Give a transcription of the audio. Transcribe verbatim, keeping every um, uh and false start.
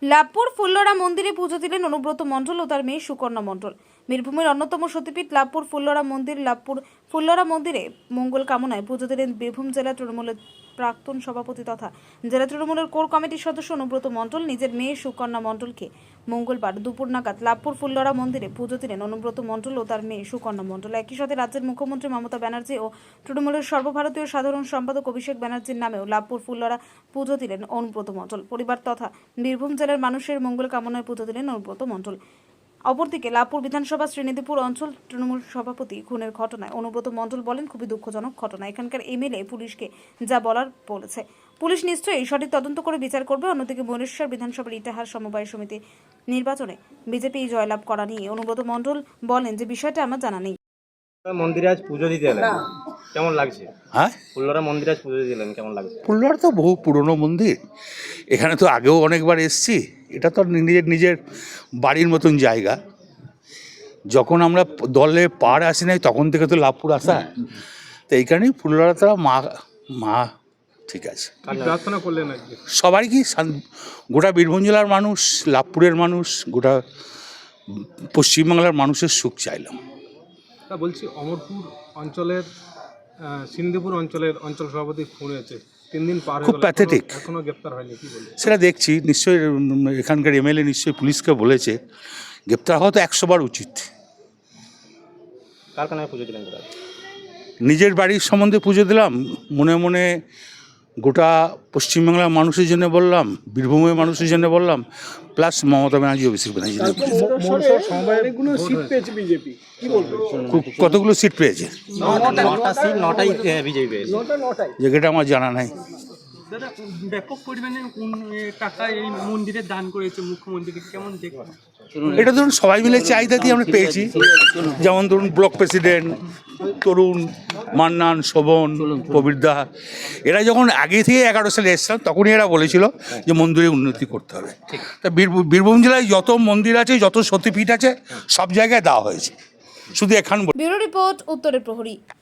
লাভপুর ফুল্লরা মন্দিরে পুজো দিলেন অনুব্রত মণ্ডল ও তার মেয়ে সুকন্যা মণ্ডল। বীরভূমের অন্যতম সতীপীঠ লাভপুর ফুল্লরা মন্দির লাভপুর ফুল্লরা মন্দিরে মঙ্গল কামনায় পুজো দিলেন বীরভূম জেলা তৃণমূলের প্রাক্তন সভাপতি তথা জেলা তৃণমূলের কোর কমিটির সদস্য অনুব্রত মণ্ডল নিজের মেয়ে সুকন্যা মণ্ডলকে মঙ্গলবার দুপুর নাগাদ লাভপুর ফুল্লরা মন্দিরে পুজো দিলেন অনুব্রত মণ্ডল ও তার মেয়ে সুকন্যা মণ্ডল। একই সাথে রাজ্যের মুখ্যমন্ত্রী মমতা ব্যানার্জি ও তৃণমূলের সর্বভারতীয় সাধারণ সম্পাদক অভিষেক ব্যানার্জির নামেও লাভপুর ফুল্লরা পুজো দিলেন অনুব্রত মণ্ডল পরিবার তথা বীরভূম জেলার মানুষের মঙ্গল কামনায় পুজো দিলেন অনুব্রত মণ্ডল। অপরদিকে লাভপুর বিধানসভা শ্রীনিধিপুর অঞ্চল তৃণমূল সভাপতি খুনের ঘটনায় অনুব্রত মণ্ডল বলেন, খুবই দুঃখজনক ঘটনা। এখানকার এমএলএ পুলিশকে যা বলার বলেছে, পুলিশ নিশ্চয়ই সঠিক তদন্ত করে বিচার করবে। অন্যদিকে ভুবনেশ্বর বিধানসভার ইটাহার সমবায় সমিতি নির্বাচনে বিজেপি জয়লাভ করা নিয়ে অনুব্রত মণ্ডল বলেন যে বিষয়টা আমার জানা নেই। মন্দিরে আজ পুজো দিতে এলেন, কেমন লাগছে? হ্যাঁ, ফুল্লরা মন্দিরে আজ পুজো দিলেন, কেমন লাগছে? ফুল্লরা তো বহু পুরনো মন্দির, এখানে তো আগেও অনেকবার এসেছি। এটা তো নিজের নিজের বাড়ির মতন জায়গা। যখন আমরা দলে পাড় আসি নাই তখন থেকে তো লাভপুর আসা, তো এই কারণেই ফুল্লরা তারা মা মা ঠিক আছে। প্রার্থনা করলেন আজকে সবারই কি শান- গোটা বীরভূম জেলার মানুষ, লাভপুরের মানুষ, গোটা পশ্চিমবাংলার মানুষের সুখ চাইলাম। তা বলছি, অমরপুর অঞ্চলের সিন্ধিপুর অঞ্চলের অঞ্চল সভাপতি খুন হয়েছে, তিন দিন পার হয়ে খুব গেল, প্যাথেটিক। এখনো- এখনো গ্রেপ্তার হয়নি, কি বলবেন? সেটা দেখছি, নিশ্চয়ই উম, এখানকার এমএলএ নিশ্চয়ই পুলিশকে বলেছে, গ্রেপ্তার হওয়া তো একশো বার উচিত। কার কারণে পুজো দিলেন? নিজের বাড়ির সম্বন্ধে পুজো দিলাম, মনে মনে গোটা পশ্চিমবাংলার মানুষের জন্য বললাম, বীরভূমের মানুষের জন্য বললাম, প্লাস মমতা ব্যানার্জি, অভিষেক ব্যানার্জি কতগুলো সিট পেয়েছে নটা সিট, নটাই বিজেপি পেয়েছে। যেটা আমার জানা নাই। দাদা, ব্যাপক পরিমাণে উন- এ টাকা এই মন্দিরে দান করেছে মুখ্যমন্ত্রী, কেমন দেখবেন? এটা ধরুন সবাই মিলে চাহিদা দিয়ে আমরা পেয়েছি। যেমন ধরুন ব্লক প্রেসিডেন্ট তরুণ, মান্নান, শোভন, প্রবীরদা, এরা যখন আগে থেকে এগারো সালে এসছিলাম তখনই এরা বলেছিল যে মন্দিরে উন্নতি করতে হবে। তা বীরভূম বীরভূম জেলায় যত মন্দির আছে, যত সতীপীঠ আছে, সব জায়গায় দেওয়া হয়েছে, শুধু এখান। ব্যুরো রিপোর্ট, উত্তরের প্রহরী।